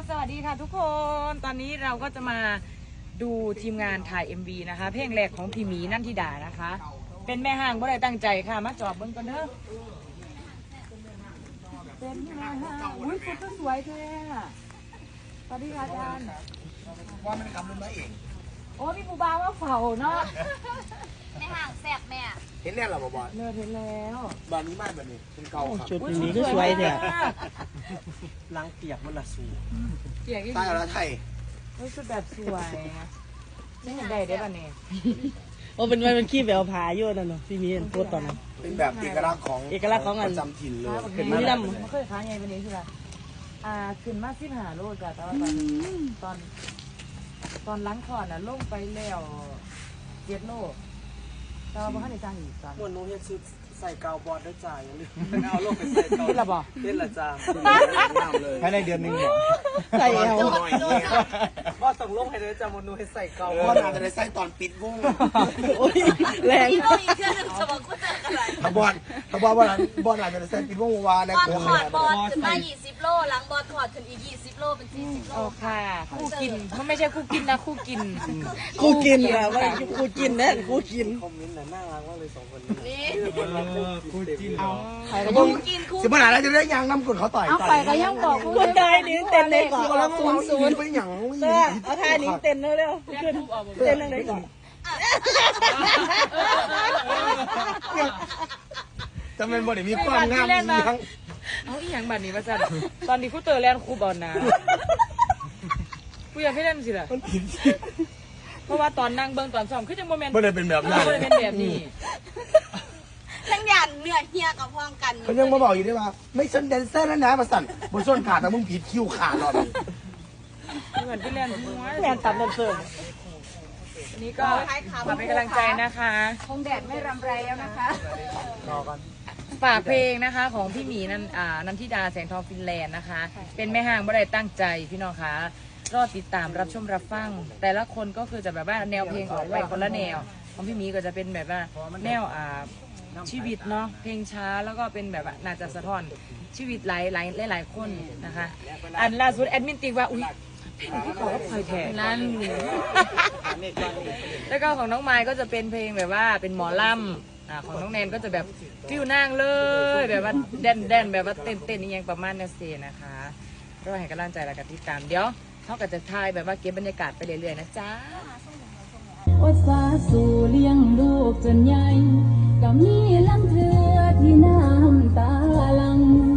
สวัสดีค่ะทุกคน ตอนนี้เราก็จะมาดูทีมงานถ่าย MV นะคะ เพลงแรกของพี่หมีนันทิดานะคะ เป็นแม่ห้างบ่ได้ตั้งใจค่ะ มาจอบเบิ้งกันเถอะเป็นแม่ห้างอุ้ยชุดก็สวยเลยอะสวัสดีค่ะอาจารย์ว่ามันคำนึงมาเองโอ้พี่ปูบาว่าเฝ้าเนาะแม่ห่างแซ่บแม่เห็นแน่หรอบอลเลิศเห็นแล้วบอลนี้มากแบบนี้เป็นเก่าครับชุดนี้ก็สวยเนี่ยล้างเปียกมันละสูเกียกอีกใต้แล้วไทยชุดแบบสวยนี่เห็นได้ได้ป่ะเนี่ยโอ้เป็นไงเป็นขี้แววผาอยู่นั่นเนาะพี่มีเห็นโพสต์ตอนนั้นเป็นแบบเอกลักษณ์ของเอกลักษณ์ของอันประจำถิ่นเลยเห็นไหมล่ะมันเคยค้าไงวันนี้ใช่ไหมขึ้นมา15 โลจ้ะแต่ว่าตอนล้างคอน่ะลงไปแล้ว7 โลแต่ว่าบ่ทันได้จ้างอีกตอนมวนโน้เฮ็ดชุดใส่กาวบอลด้วยจ่าอย่าลืมเอาลงไปใส่กาวเฮ็ดละบ่เฮ็ดละจ้าภายในเดือนหนึ่งเนี่ยใส่เอาว่าต้องลงให้ด้วยจ้ามวนโน้ให้ใส่กาวเพราะนานจะได้ใส่ตอนปิดวงโอ้ยแรงนี่โลอีกเครื่องหนึ่งสมองกูเจออะไรถ้าบอลอาจจะได้ใส่ปิดวงวาในบอลโค้งถอดบอลขึ้นมา20 โลหลังบอลถอดขึ้นอีก20 โลเป็น40 โลโอ้ค่ะคู่กินมันไม่ใช่คู่กินนะคู่กินกูกินอะว่ากูกินแน่กูกินคอมเมนต์น่ะน่ารักมากเลย2คนนี้นี่คู่จิ้นเอาใครก็วยังงกินคู่สิบปัญหาแล้วจะได้ยางน้ำกดเขาต่อยเอาไปก็ยังบอกคนได้นี่เต้นในเกาะแล้ว 00 ไปหยังเสื้อเอาท่านี้เต้นเร็วๆขึ้นเต้นในเกาะจำเป็นบ่ได้มีความงามดีทั้งเอาอีหยังบัดนี้ว่าจันตอนนี้คู่เตอร์แลนด์คู่บอลนะกูอยากให้เล่นสิล่ะมันผิดเพราะว่าตอนนั่งเบิ่งตอนซ้อมคือจังโมเมนต์ไม่ได้เป็นแบบนั้นไม่ได้เป็นแบบนี้ทั้งยันเหนื่อยเฮียกับพร้อมกันเขายังมาบอกอยู่ด้วยว่าไม่ชนแดนเซอร์แล้วนะมาสั่นบนส้นขาดแต่มึงผิดคิวขาดหรอกเหมือนพี่เล่นหัวแรงตับเสิร์ฟอันนี้ก็ฝากเป็นกำลังใจนะคะคงแดดไม่รำไรแล้วนะคะฝากเพลงนะคะของพี่หมีนันทิดาแสงทองฟินแลนด์นะคะ เป็นแม่ห้างบ่ได้ตั้งใจพี่น้องคะรอติดตามรับชมรับฟัง แต่ละคนก็คือจะแบบว่าแนวเพลงออกไปคนละแนว ของพี่หมีก็จะเป็นแบบว่าแนวชีวิตเนาะเพลงช้าแล้วก็เป็นแบบว่าน่าจะสะท้อนชีวิตหลายคนนะคะ อันล่าสุดแอดมินติ๊กว่าอุ้ยเพลงที่ขอก็พลอยแทนนั่น แล้วก็ของน้องไม้ก็จะเป็นเพลงแบบว่าเป็นหมอลำของน้องแนนก็จะแบบฟิวนั่งเลยแบบว่าแดนแบบว่าเต้นนี่ยังประมาณนั้นเสียนะคะรอให้กำลังใจแล้วกันติดตามเดี๋ยวเขาก็จะถ่ายแบบว่าเก็บบรรยากาศไปเรื่อยๆนะจ๊ะอดสาสู่เลี้ยงลูกจนใหญ่ก็มีลำเธอที่น้ำตาลัง